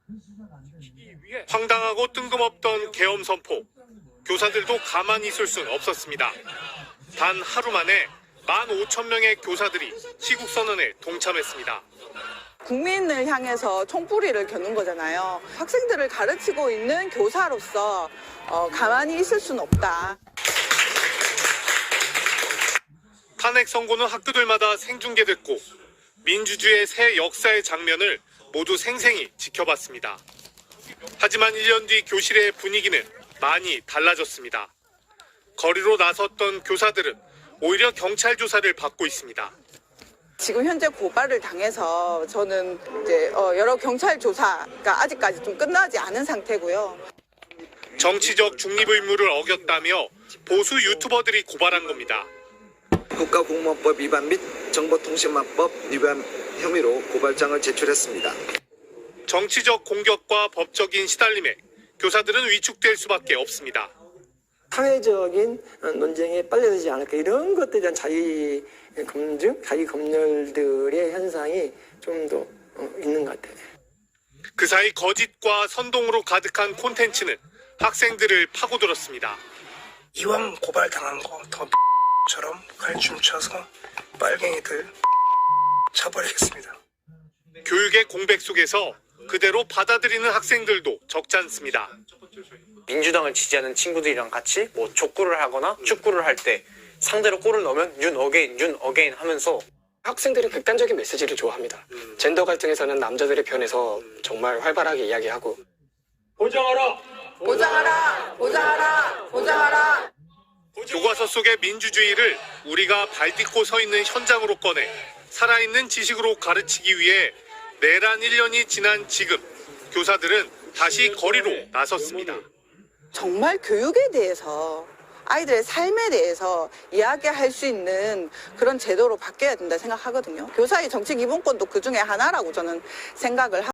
황당하고 뜬금없던 계엄 선포. 교사들도 가만히 있을 순 없었습니다. 단 하루 만에 15,000명의 교사들이 시국선언에 동참했습니다. 국민을 향해서 총뿌리를 겨눈 거잖아요. 학생들을 가르치고 있는 교사로서 가만히 있을 수는 없다. 탄핵 선고는 학교들마다 생중계됐고 민주주의의 새 역사의 장면을 모두 생생히 지켜봤습니다. 하지만 1년 뒤 교실의 분위기는 많이 달라졌습니다. 거리로 나섰던 교사들은 오히려 경찰 조사를 받고 있습니다. 지금 현재 고발을 당해서 저는 이제 여러 경찰 조사가 아직까지 좀 끝나지 않은 상태고요. 정치적 중립 의무를 어겼다며 보수 유튜버들이 고발한 겁니다. 국가공무원법 위반 및 정보통신망법 위반 혐의로 고발장을 제출했습니다. 정치적 공격과 법적인 시달림에 교사들은 위축될 수밖에 없습니다. 사회적인 논쟁에 빨려들지 않을까 이런 것들에 대한 자기 검증, 자기 검열들의 현상이 좀 더 있는 것 같아요. 그 사이 거짓과 선동으로 가득한 콘텐츠는 학생들을 파고들었습니다. 이왕 고발당한 거 더 처럼 갈춤쳐서 빨갱이들 쳐버리겠습니다. 교육의 공백 속에서 그대로 받아들이는 학생들도 적지 않습니다. 민주당을 지지하는 친구들이랑 같이 뭐 족구를 하거나 축구를 할 때 상대로 골을 넣으면 윤 어게인 하면서 학생들이 극단적인 메시지를 좋아합니다. 젠더 갈등에서는 남자들의 편에서 정말 활발하게 이야기하고 보장하라! 보장하라! 보장하라! 보장하라! 교과서 속의 민주주의를 우리가 발딛고 서 있는 현장으로 꺼내 살아있는 지식으로 가르치기 위해 내란 1년이 지난 지금 교사들은 다시 거리로 나섰습니다. 정말 교육에 대해서 아이들의 삶에 대해서 이야기할 수 있는 그런 제도로 바뀌어야 된다 생각하거든요. 교사의 정치 기본권도 그 중에 하나라고 저는 생각을 하고